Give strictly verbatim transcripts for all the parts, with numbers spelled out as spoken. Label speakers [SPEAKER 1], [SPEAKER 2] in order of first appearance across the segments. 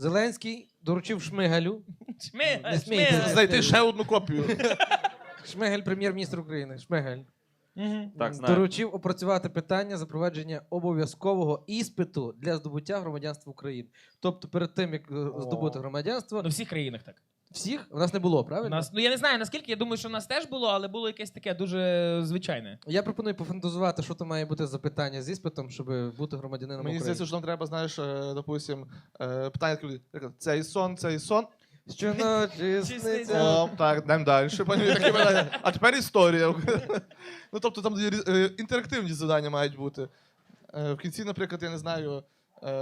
[SPEAKER 1] Зеленський доручив Шмигалю.
[SPEAKER 2] Шмигаль,
[SPEAKER 1] Не смійтеся.
[SPEAKER 2] Шмигаль.
[SPEAKER 3] Знайти ще одну копію.
[SPEAKER 1] Шмигаль, прем'єр-міністр України. Шмигаль.
[SPEAKER 2] Мгм.
[SPEAKER 4] Так, знаю.
[SPEAKER 1] Доручив опрацювати питання запровадження обов'язкового іспиту для здобуття громадянства України. Тобто перед тим, як е, здобути громадянство,
[SPEAKER 2] Ну, в всіх країнах так.
[SPEAKER 1] всіх в нас не було,
[SPEAKER 2] У
[SPEAKER 1] правильно?
[SPEAKER 2] нас, ну я не знаю наскільки, я думаю, що в нас теж було, але було якесь таке дуже звичайне.
[SPEAKER 1] Я пропоную пофантазувати, що то має бути за питання з іспитом, щоб бути громадянином
[SPEAKER 3] Мені
[SPEAKER 1] України.
[SPEAKER 3] здається, що нам треба, знаєш, е, допустим, е, питання таке, як, цей сон, цей сон.
[SPEAKER 1] Щоночі
[SPEAKER 2] Сниться.
[SPEAKER 1] сниться.
[SPEAKER 3] О, так, йдемо далі. Пані, такі питання. А тепер історія. Ну, тобто там е, інтерактивні завдання мають бути. Е, В кінці, наприклад, я не знаю, е,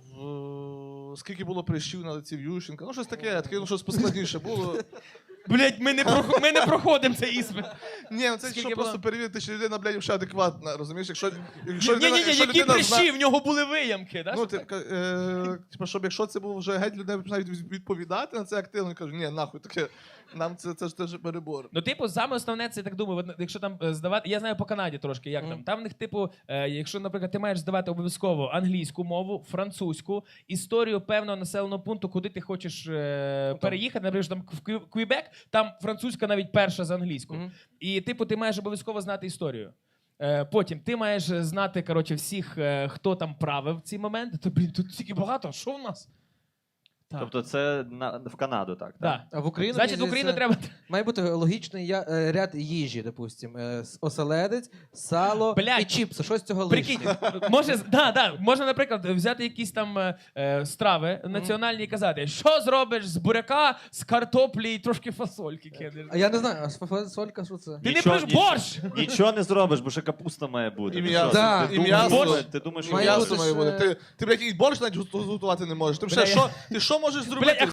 [SPEAKER 3] в... скільки було прищів на лиці в Ющенка. Ну, щось таке, таке, ну, щось поскладніше було.
[SPEAKER 2] Блять, ми не прохо- ми не проходимо цей іспит.
[SPEAKER 3] Ні, ну це
[SPEAKER 2] Скільки
[SPEAKER 3] що
[SPEAKER 2] було?
[SPEAKER 3] просто перевірити, чи людина, блядь, вже адекватна, розумієш? Якщо, якщо
[SPEAKER 2] Ні, ні, ні,
[SPEAKER 3] якщо
[SPEAKER 2] які
[SPEAKER 3] людина
[SPEAKER 2] прищі,
[SPEAKER 3] зна-
[SPEAKER 2] в нього були виямки. Да,
[SPEAKER 3] Ну,
[SPEAKER 2] що
[SPEAKER 3] ти,
[SPEAKER 2] так?
[SPEAKER 3] е, типу, щоб якщо це було вже геть, людина починає від- відповідати на це активно, і каже, ні, нахуй, таке, нам це, це ж теж перебор.
[SPEAKER 2] Ну, типу, саме основне, це я так думаю, от, якщо там е, здавати. Я знаю по Канаді трошки, як там. Там в них, типу, е, якщо, наприклад, ти маєш здавати обов'язково англійську мову, французьку, історію певного населеного пункту, куди ти хочеш е, переїхати, наприклад, там в Кві- Квібек, там французька навіть перша за англійську.
[SPEAKER 1] Мгм.
[SPEAKER 2] І, типу, ти маєш обов'язково знати історію. Е, Потім ти маєш знати, коротше, всіх, е, хто там правив в ці моменти. То, блін, тут стільки багато, що в нас? Так.
[SPEAKER 4] Тобто це на, в Канаду, так? так?
[SPEAKER 2] Да.
[SPEAKER 1] А в Україну,
[SPEAKER 2] Значить, в
[SPEAKER 1] мені
[SPEAKER 2] Україну
[SPEAKER 1] здається,
[SPEAKER 2] треба.
[SPEAKER 1] має бути логічний я- е, ряд їжі, допустим. Е, с- Оселедець, сало
[SPEAKER 2] Блядь.
[SPEAKER 1] і чіпси. Щось з цього
[SPEAKER 2] Прикинь,
[SPEAKER 1] лишнє.
[SPEAKER 2] може, да, да, можна, наприклад, взяти якісь там е, е, страви національні і казати, що зробиш з буряка, з картоплі і трошки фасольки кинеш.
[SPEAKER 1] А я не знаю, а фасолька, що це?
[SPEAKER 2] Ти не
[SPEAKER 4] Нічого-
[SPEAKER 2] пиш
[SPEAKER 4] нічого-
[SPEAKER 2] борщ!
[SPEAKER 4] Нічого не зробиш, бо ще капуста має бути.
[SPEAKER 3] І
[SPEAKER 4] Ти
[SPEAKER 3] м'ясо.
[SPEAKER 4] що,
[SPEAKER 1] Да,
[SPEAKER 4] ти
[SPEAKER 3] і
[SPEAKER 4] думаєш,
[SPEAKER 3] м'ясо.
[SPEAKER 4] що- Ти думаєш, що
[SPEAKER 1] Має
[SPEAKER 3] М'ясо
[SPEAKER 1] бути
[SPEAKER 3] має
[SPEAKER 1] ще-
[SPEAKER 3] бути. Ти, ти, блядь, і борщ навіть готувати не можеш. Ти,
[SPEAKER 2] Бля,
[SPEAKER 3] ще,
[SPEAKER 2] я-
[SPEAKER 3] що, ти що можеш зробити?
[SPEAKER 2] Блядь,